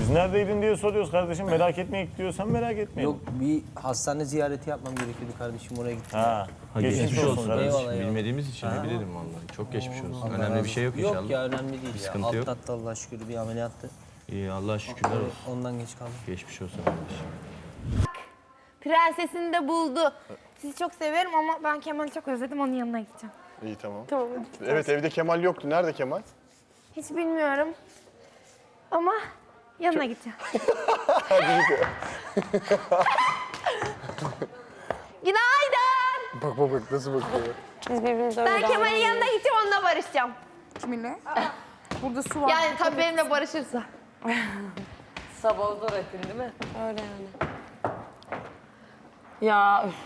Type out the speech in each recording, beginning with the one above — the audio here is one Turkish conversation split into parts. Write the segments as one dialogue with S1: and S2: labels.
S1: Biz neredeydin diye soruyoruz kardeşim. Merak etmeyek diyorsan merak etmeyin.
S2: Yok bir hastane ziyareti yapmam gerekiyordu kardeşim oraya gittim.
S1: Ha, geçmiş olsun kardeşim.
S2: Eyvallah, eyvallah.
S3: Bilmediğimiz için ne bilelim vallahi. Çok geçmiş olsun. Önemli bir şey yok inşallah.
S2: Yok ya önemli değil ya.
S3: sıkıntı yok.
S2: Atlattı Allah'a şükür bir ameliyattı.
S3: İyi Allah'a şükürler olsun.
S2: Ondan geç kaldım.
S3: Geçmiş olsun kardeşim.
S4: Prensesini de buldu. Sizi çok severim ama ben Kemal'i çok özledim. Onun yanına gideceğim.
S5: İyi tamam.
S4: Tamam.
S5: Evet evde Kemal yoktu. Nerede Kemal?
S4: Hiç bilmiyorum. Ama yanına gideceğim. Günaydın.
S5: Bak nasıl bakıyor.
S6: Biz birbirimize öyle
S4: Ben Kemal'in yanına gideceğim, onunla barışacağım.
S6: Kiminle? Burada su var.
S4: Yani tabii benimle barışırsa.
S6: Sabah zor ettin değil mi? Öyle yani. Ya üf.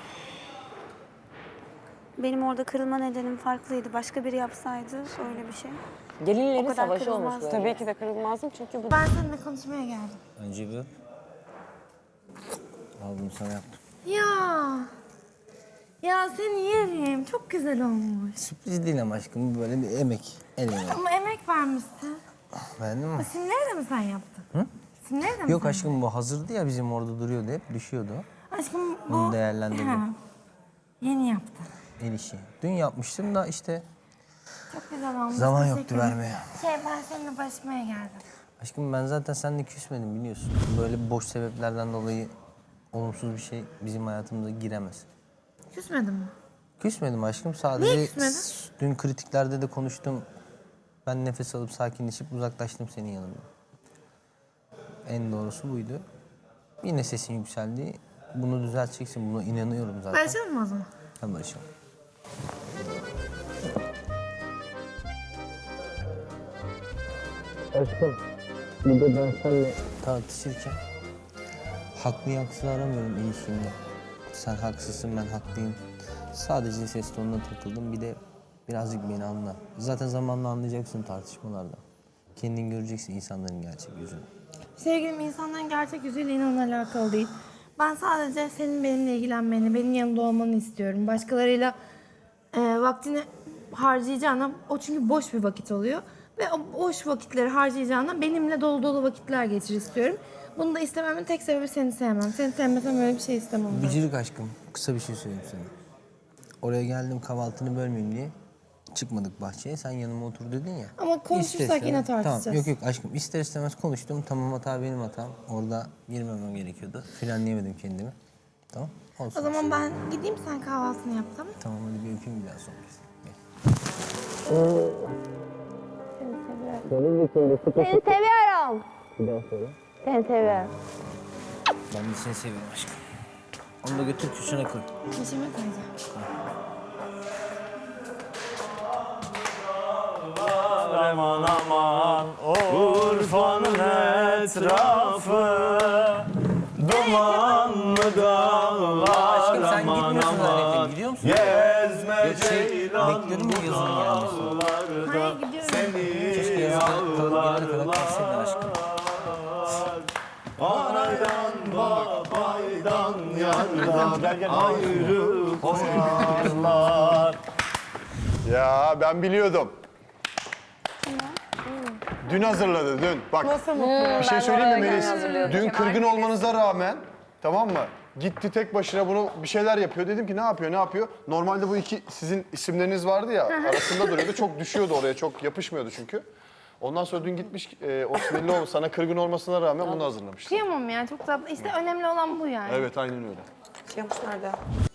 S7: Benim orada kırılma nedenim farklıydı. Başka biri yapsaydı öyle bir şey.
S6: Gelinlerin
S7: O kadar
S6: savaşı olmuş
S7: kırılmaz.
S6: böyle. Tabii ki de kırılmazdım çünkü bu...
S4: Ben seninle konuşmaya geldim.
S2: Önce bir al bunu sana yaptım.
S4: Ya seni yerim. Çok güzel olmuş.
S2: Sürpriz değil ama aşkım böyle bir emek. El emeği.
S4: Ama emek vermişsin.
S2: Beğendin mi?
S4: Simleri de mi sen yaptın? Hı? Simleri de mi
S2: Yok
S4: sen
S2: aşkım bu hazırdı ya bizim orada duruyordu hep düşüyordu.
S4: Aşkım bu...
S2: Bunu değerlendirdim.
S4: Ha, yeni yaptın.
S2: El işi. Dün yapmıştım da işte
S4: Çok güzel olmuş.
S2: zaman
S4: Teşekkür
S2: yoktu
S4: ederim.
S2: vermeye.
S4: Ben seninle barışmaya geldim.
S2: Aşkım ben zaten seninle küsmedim biliyorsun. Böyle boş sebeplerden dolayı olumsuz bir şey bizim hayatımıza giremez.
S4: Küsmedin mi?
S2: Küsmedim aşkım sadece
S4: Niye küsmedin?
S2: dün kritiklerde de konuştum. Ben nefes alıp sakinleşip uzaklaştım senin yanından. En doğrusu buydu. Yine sesin yükseldi. Bunu düzelteceksin. Buna inanıyorum zaten.
S4: Barışalım mı o zaman?
S2: Hadi barışalım. Aşkım, bir de ben seninle tartışırken haklıyı haksız aramıyorum ilişkimde. Sen haksızsın, ben haklıyım. Sadece ses tonuna takıldım. Bir de birazcık beni anla. Zaten zamanla anlayacaksın tartışmalarda. Kendin göreceksin insanların gerçek yüzünü.
S4: Sevgilim insanların gerçek yüzüyle inan alakalı değil. Ben sadece senin benimle ilgilenmeni, benim yanımda olmanı istiyorum. Başkalarıyla vaktini harcayacağına, o çünkü boş bir vakit oluyor. Ve o boş vakitleri harcayacağına benimle dolu dolu vakitler geçir istiyorum. Bunu da istememin tek sebebi seni sevmem. Seni sevmesem öyle bir şey istemem. ben.
S2: Bicirik aşkım, kısa bir şey söyleyeyim sana. Oraya geldim kahvaltını bölmeyeyim diye. Çıkmadık bahçeye, sen yanıma otur dedin ya.
S4: Ama konuşursak yine tartışacağız.
S2: Tamam, yok aşkım ister istemez konuştum. Tamam hata benim hatam. Orada girmemem gerekiyordu. Frenleyemedim kendimi. Tamam, olsun.
S4: O zaman ben gideyim, sen kahvaltını yap, tamam?
S2: Tamam hadi bir öpeyim bir daha son kez. Gel.
S4: Seni seviyorum.
S2: Bir daha söyle.
S4: Seni seviyorum.
S2: Ben de seni seviyorum aşkım. Onu da götür köşene koy.
S4: Peşime koyacağım.
S1: Aman aman Urfa'nın etrafı dumanlı dağlar.
S2: Aşkım sen
S1: Aman
S2: gitmiyorsun
S1: aman
S2: zannettim. Gidiyor musun?
S1: gezme
S2: Yok bekliyorum mu yazın gelmesini?
S4: Hayır, gidiyorum.
S2: Keşke yazın gelene kadar kalsaydın aşkım.
S1: Anaydan babaydan yardan ayrı koyarlar.
S5: Ya ben biliyordum. Dün hazırladı dün. Bak bir şey söyleyeyim mi Melis? Dün kırgın olmanıza rağmen tamam mı? Gitti tek başına bunu bir şeyler yapıyor. Dedim ki ne yapıyor? Normalde bu iki sizin isimleriniz vardı ya arasında duruyordu. Çok düşüyordu oraya. Çok yapışmıyordu çünkü. Ondan sonra dün gitmiş o sinirli olmuş. Sana kırgın olmasına rağmen bunu hazırlamış.
S4: Kıyamam ya, çok tatlı. İşte önemli olan bu yani.
S5: Evet aynen öyle.
S6: Şey yapmışlar da.